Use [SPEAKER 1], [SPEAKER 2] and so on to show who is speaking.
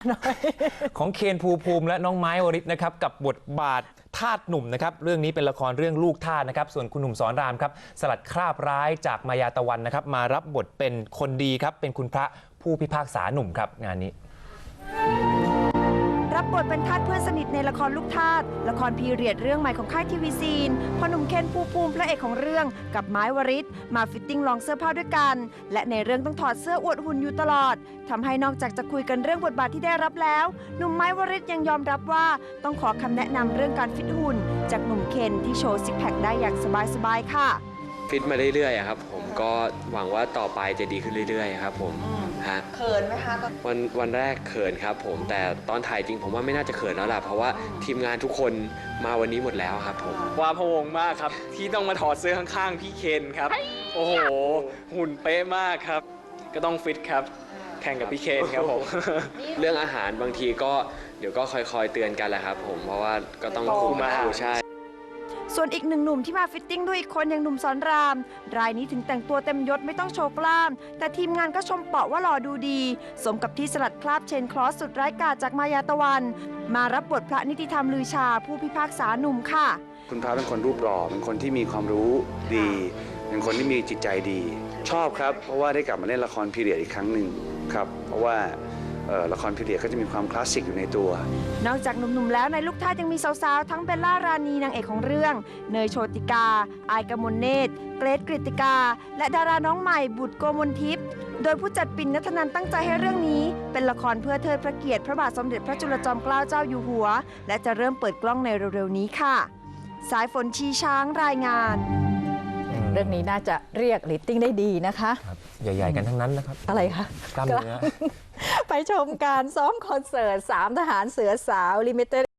[SPEAKER 1] ของเคนภูมิและน้องไม้วริศนะครับกับบทบาททาสหนุ่มนะครับเรื่องนี้เป็นละครเรื่องลูกทาสนะครับส่วนคุณหนุ่มสอนรามครับสลัดคราบร้ายจากมายาตะวันนะครับมารับบทเป็นคนดีครับเป็นคุณพระผู้พิพากษาหนุ่มครับงานนี้
[SPEAKER 2] รับบทเป็นทาสเพื่อนสนิทในละครลูกทาสละครพีเรียดเรื่องใหม่ของค่ายทีวีซีนพอหนุ่มเคนภูมิพระเอกของเรื่องกับไม้วริศมาฟิตติ้งลองเสื้อผ้าด้วยกันและในเรื่องต้องถอดเสื้ออวดหุ่นอยู่ตลอดทำให้นอกจากจะคุยกันเรื่องบทบาทที่ได้รับแล้วหนุ่มไม้วริศยังยอมรับว่าต้องขอคำแนะนำเรื่องการฟิตหุ่นจากหนุ่มเคนที่โชว์ซิกแพคได้อย่างสบายๆค่ะ
[SPEAKER 3] ฟิตมาเรื่อยๆครับผมก็หวังว่าต่อไปจะดีขึ้นเรื่อยๆครับผมฮะ
[SPEAKER 2] เขินไหมคะ
[SPEAKER 3] วันแรกเขินครับผมแต่ตอนถ่ายจริงผมว่าไม่น่าจะเขินแล้วล่ะเพราะว่าทีมงานทุกคนมาวันนี้หมดแล้วครับผม
[SPEAKER 4] ว้าพะวงมากครับที่ต้องมาถอดเสื้อข้างๆพี่เคนครับโอ้โหหุ่นเป๊ะมากครับก็ต้องฟิตครับแข่งกับพี่เคนครับผม
[SPEAKER 3] เรื่องอาหารบางทีก็เดี๋ยวก็คอยๆเตือนกันแหละครับผมเพราะว่าก็ต้องคุมมาใช่
[SPEAKER 2] ส่วนอีกหนึ่งหนุ่มที่มาฟิตติ้งด้วยอีกคนอย่างหนุ่มสอนรามรายนี้ถึงแต่งตัวเต็มยศไม่ต้องโชว์กล้ามแต่ทีมงานก็ชมเปาะว่าหล่อดูดีสมกับที่สลัดคราบเชนคลอสสุดร้ายกาจจากมายาตะวันมารับบทพระนิติธรรมลือชาผู้พิพากษาหนุ่มค่ะ
[SPEAKER 5] คุณพระเป็นคนรูปหล่อเป็นคนที่มีความรู้ดีเป็นคนที่มีจิตใจดีชอบครับเพราะว่าได้กลับมาเล่นละครพีเรียดอีกครั้งหนึ่งครับเพราะว่าละครพีเรียดก็จะมีความคลาสสิกอยู่ในตัวน
[SPEAKER 2] อกจากหนุ่มๆแล้วในลูกทาสยังมีสาวๆทั้งเบลล่ารานีนางเอกของเรื่องเนยโชติกาอายกมลเนตรเกรทกฤติกาและดาราน้องใหม่บุตรโกมลทิพย์โดยผู้จัดปิ่นณัฐนันท์ตั้งใจให้เรื่องนี้เป็นละครเพื่อเทิดพระเกียรติพระบาทสมเด็จพระจุลจอมเกล้าเจ้าอยู่หัวและจะเริ่มเปิดกล้องในเร็วๆนี้ค่ะสายฝนชีช้างรายงาน
[SPEAKER 6] เรื่องนี้น่าจะเรียกเรตติ้งได้ดีนะคะ
[SPEAKER 1] ใหญ่ๆกันทั้งนั้นนะครับ
[SPEAKER 6] อะไรคะ
[SPEAKER 1] กล้ามเนื้อ
[SPEAKER 6] ไปชมการซ้อมคอนเสิร์ต3ทหารเสือสาวลิมิเต็ด